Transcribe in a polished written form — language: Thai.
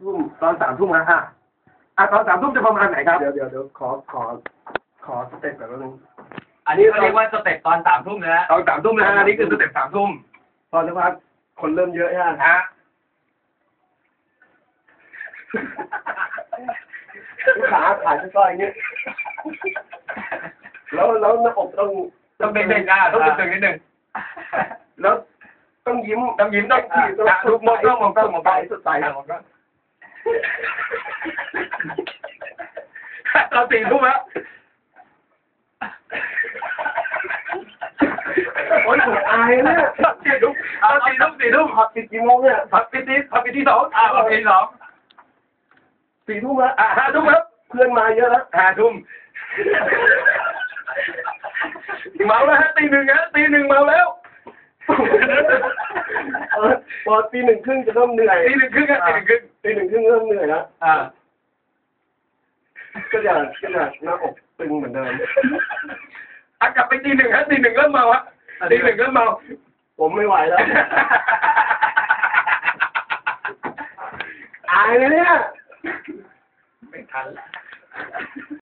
ทุ่มตอน3 ทุ่มฮะตอน3 ทุ่มจะประมาณไหนครับเดี๋ยวขอสเต็ปแบบนึงอันนี้เขาเรียกว่าสเต็ปตอน3 ทุ่มนะตอน3 ทุ่มนะฮะอันนี้คือสเต็ป3 ทุ่มตอนนี้ว่าคนเริ่มเยอะฮะขาก้อยอย่างนี้แล้วหน้าอกต้องเป็นเด็กต้องตึงนิดนึงแล้วต้องยิ้มต้องทุกมองกล้องสดใสตอน4 ทุ่มแล้วโอ้ยผมอายเนี่ย 4 ทุ่ม4 ทุ่มผับปิดกี่โมงเนี่ยผับปิดที่2ผับปิดที่2 4 ทุ่มแล้ว 5 ทุ่มแล้วเพื่อนมาเยอะแล้ว 5 ทุ่มเมาแล้วฮะตี 1ฮะตี 1เมาแล้วพอตี 1 ครึ่งจะเริ่มเหนื่อยตี 1 ครึ่งครับตี 1 ครึ่งเริ่มเหนื่อยแล้วก็จะหน้าอกตึงเหมือนเดิมกลับไปตี 1ฮะตี 1เริ่มเมาฮะตี 1เริ่มเมาผมไม่ไหวแล้วอายเลยเนี่ยไม่ทัน